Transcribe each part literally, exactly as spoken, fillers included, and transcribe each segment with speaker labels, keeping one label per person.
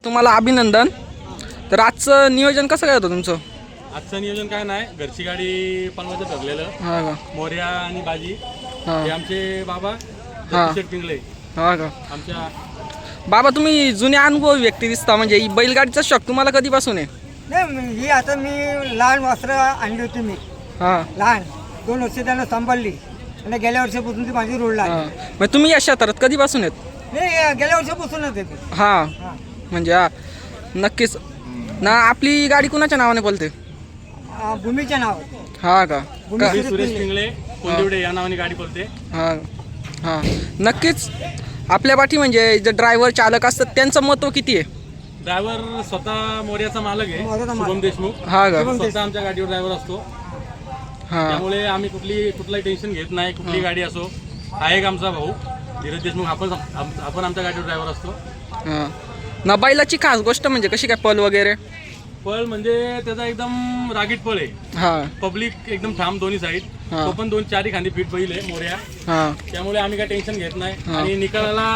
Speaker 1: तुम्हाला अभिनंदन. तर आजचं नियोजन कसं काय होतं तुमचं?
Speaker 2: आजचं नियोजन काय नाही, घरची गाडी पनवायचं ठरलेलं.
Speaker 1: हा का?
Speaker 2: मोर्या आणि बाजी
Speaker 1: हा
Speaker 2: हे आमचे बाबा
Speaker 1: हा.
Speaker 2: शेट पिंगळे
Speaker 1: हा का?
Speaker 2: आमच्या.
Speaker 1: बाबा तुम्ही जुने अनुभवी व्यक्ती दिसता, म्हणजे ही बैलगाडीचा शौक तुम्हाला कधीपासून आहे?
Speaker 3: नाही ही आता मी लहान वस्त्र आणली होती मी
Speaker 1: हां
Speaker 3: लहान दोन वर्ष त्यांना सांभाळली आणि गेल्या वर्षापासून ती माझी रोडला आली.
Speaker 1: हां. मग तुम्ही या क्षेत्रात कधीपासून आहेत?
Speaker 3: नाही गेल्या वर्षापासूनच येते.
Speaker 1: हां
Speaker 3: हां
Speaker 1: म्हणजे हा नक्कीच ना. आपली गाडी कुणाच्या नावाने बोलते?
Speaker 3: अं, भूमीच्या नाव
Speaker 1: हा का?
Speaker 3: भूमी
Speaker 1: का?
Speaker 2: मी सुरेश पिंगळे कोंदिवडे या नावाने गाडी बोलते.
Speaker 1: हां हां नक्कीच. आपल्या पाठी म्हणजे जे ड्रायव्हर चालक असतात त्यांचं महत्त्व किती आहे?
Speaker 2: ड्रायव्हर स्वतः मोर्याचा मालक आहे,
Speaker 3: मोर्याचा मालक.
Speaker 2: शुभम देशमुख.
Speaker 1: हा का?
Speaker 2: स्वतः आमच्या गाडीवर ड्रायव्हर असतो.
Speaker 1: हां
Speaker 2: त्यामुळे आम्ही कुठली कुठलाही टेन्शन घेत नाही. कुठली गाडी असो, हा एक आमचा भाऊ धीरज देशमुख, आपण आम- आपण आमच्या गाडीवर ड्रायव्हर असतो.
Speaker 1: हां ना. बैलाची खास गोष्ट म्हणजे कशी काय पल वगैरे?
Speaker 2: पळ म्हणजे त्याचा एकदम रागीट पळ आहे.
Speaker 1: हां
Speaker 2: पब्लिक एकदम ठाम दोन्ही साईड.
Speaker 1: हा.
Speaker 2: तो पण दोन चारी खांदी फीट बैल आहे मोर्या.
Speaker 1: हां
Speaker 2: त्यामुळे आम्ही काय टेन्शन घेत नाही.
Speaker 1: हा.
Speaker 2: आणि निकालाला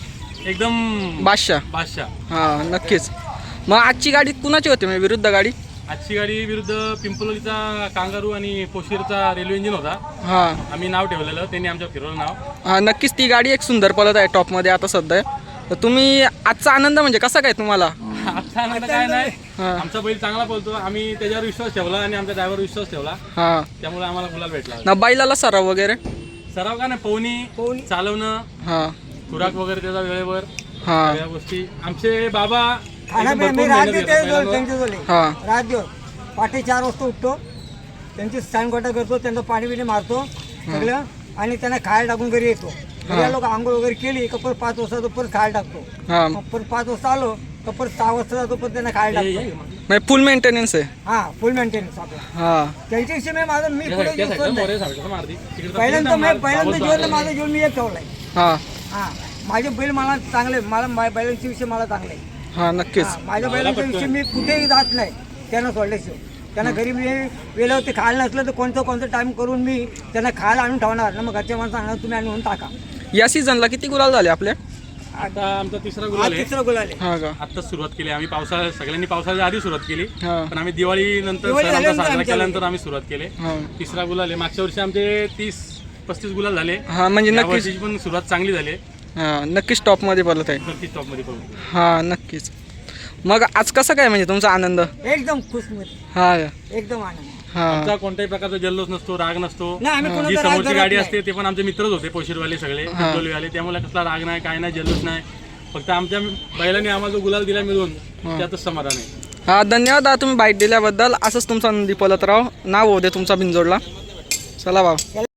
Speaker 2: एकदम
Speaker 1: बादशाह.
Speaker 2: बादशाह.
Speaker 1: हां नक्कीच. मग आजची गाडी कुणाची होती म्हणजे विरुद्ध गाडी?
Speaker 2: आजची गाडी विरुद्ध पिंपलोलीचा कांगारू आणि पोशीरचा रेल्वे इंजिन होता.
Speaker 1: हां
Speaker 2: आम्ही नाव ठेवलेलं, त्यांनी आमच्या फिरवलं नाव.
Speaker 1: हां नक्कीच. ती गाडी एक सुंदर पळत आहे टॉपमध्ये आता सध्या. तर तुम्ही आजचा आनंद म्हणजे कसा काय तुम्हाला?
Speaker 2: आजचा आनंद काय नाही,
Speaker 1: हा.
Speaker 2: आमचा बैल चांगला पळतो. आम्ही त्याच्यावर विश्वास ठेवला आणि आमच्या ड्रायव्हर विश्वास ठेवला,
Speaker 1: हां
Speaker 2: त्यामुळे आम्हाला गुलाल भेटला.
Speaker 1: ना. बैलाला सराव वगैरे?
Speaker 2: सराव का नाही, पोहणी
Speaker 3: पोहणी.
Speaker 2: चालवणं,
Speaker 1: हां
Speaker 2: खुराक वगैरे त्याचा वेळेवर,
Speaker 1: हां
Speaker 2: सगळ्या गोष्टी. आमचे बाबा
Speaker 3: खाना
Speaker 2: एकदम
Speaker 3: मी
Speaker 2: भरपूर
Speaker 3: रात
Speaker 2: मेहनत
Speaker 3: देते
Speaker 2: घेतात बैलांवर.
Speaker 3: त्यांच्याजवळ
Speaker 1: हां
Speaker 3: रात दिवस पाठी चार वाजता उठतो, त्यांची सांगोटा करतो, त्यांचं पाणी बिणी मारतो सगळं आणि त्यांना खायला टाकून घरी येतो. घरी लोक आंघोळ वगैरे केली का परत पाच वाजता तो परत खायला टाकतो.
Speaker 1: हां
Speaker 3: मग परत पाच वाजता आलो का परत सहा वाजता जातो, परत त्यांना खायला टाकतो.
Speaker 1: म्हणजे फुल मेंटेनन्स आहे.
Speaker 3: हा फुल मेंटेनन्स आपला.
Speaker 1: हां
Speaker 3: त्यांच्याविषयी मी माझं मी पुढे
Speaker 2: त्या
Speaker 3: जीव
Speaker 2: साईडला
Speaker 3: सोडलाय.
Speaker 2: मोरे साईडला मारती. तिकडे
Speaker 3: पहिल्यांदा मी
Speaker 2: मार-
Speaker 3: पहिल्यांदा
Speaker 2: आवाज
Speaker 3: जीवन
Speaker 2: आला.
Speaker 3: माझं जीवन मी एक ठेवलाय.
Speaker 1: हां
Speaker 3: हा माझे बैल मला चांगले, मला मा- बैलांच्या विषयी मला चांगले.
Speaker 1: हां नक्कीच.
Speaker 3: हा, माझ्या बैलांच्या विषयी मी कुठेही जात नाही त्यांना सोडल्याशिवाय. त्यांना घरी मी वेळेवरती खायला नसलं तर कोणतं कोणतं टाइम करून मी त्यांना खायला आणून ठेवणार ना. मग घरच्या माणसं सांगणार तुम्ही आणून टाका.
Speaker 1: या सीझनला किती गुलाल झाले आपले?
Speaker 2: आता आमचा तिसरा
Speaker 3: आज
Speaker 2: गुलाल आहे.
Speaker 3: तिसरं गुलाल आहे.
Speaker 1: हां का?
Speaker 2: आत्ताच सुरुवात केली आम्ही. पावसाळ्या सगळ्यांनी पावसाळ्याच्या आधी सुरुवात केली,
Speaker 1: हां
Speaker 2: पण आम्ही दिवाळी नंतर
Speaker 3: दिवाळी
Speaker 2: सण आमचा
Speaker 3: झाल्यानंतर
Speaker 2: साजरा
Speaker 3: आमच्या
Speaker 2: केल्यानंतर आम्ही सुरुवात केली.
Speaker 1: हां
Speaker 2: तिसरा गुलाल आहे. मागच्या वर्षी आमचे तीस पस्तीस गुलाल झाले.
Speaker 1: हां म्हणजे
Speaker 2: या
Speaker 1: नक्कीच.
Speaker 2: वर्षीची पण सुरुवात चांगली झाली.
Speaker 1: हां नक्कीच टॉपमध्ये बोलत आहे.
Speaker 2: नक्कीच टॉपमध्ये पडू.
Speaker 1: हां नक्कीच. मग आज कसं काय म्हणजे तुमचा आनंद?
Speaker 3: एकदम खुश मध्ये
Speaker 1: हां
Speaker 3: एकदम आनंद.
Speaker 1: हां
Speaker 2: आमचा कोणत्याही प्रकारचा जल्लोष नसतो, राग नसतो.
Speaker 3: नाही आम्ही
Speaker 2: जी
Speaker 3: कोणाचा राग
Speaker 2: समोरची
Speaker 3: धरत
Speaker 2: गाडी
Speaker 3: नाही.
Speaker 2: असते ते पण आमचे मित्रच होते, पोशीरवाले सगळे
Speaker 1: हां.
Speaker 2: वाले. त्यामुळे कसला राग नाही, काय नाही, जल्लोष नाही. फक्त आमच्या बैलांनी आम्हाला जो गुलाल दिला मिळून त्यातच समाधान आहे.
Speaker 1: हां धन्यवाद दादा तुम्ही बाईट दिल्याबद्दल. असंच तुमचा नंदी पलत राव. नाव होऊ दे तुमचा बिनजोडला. चला भाऊ.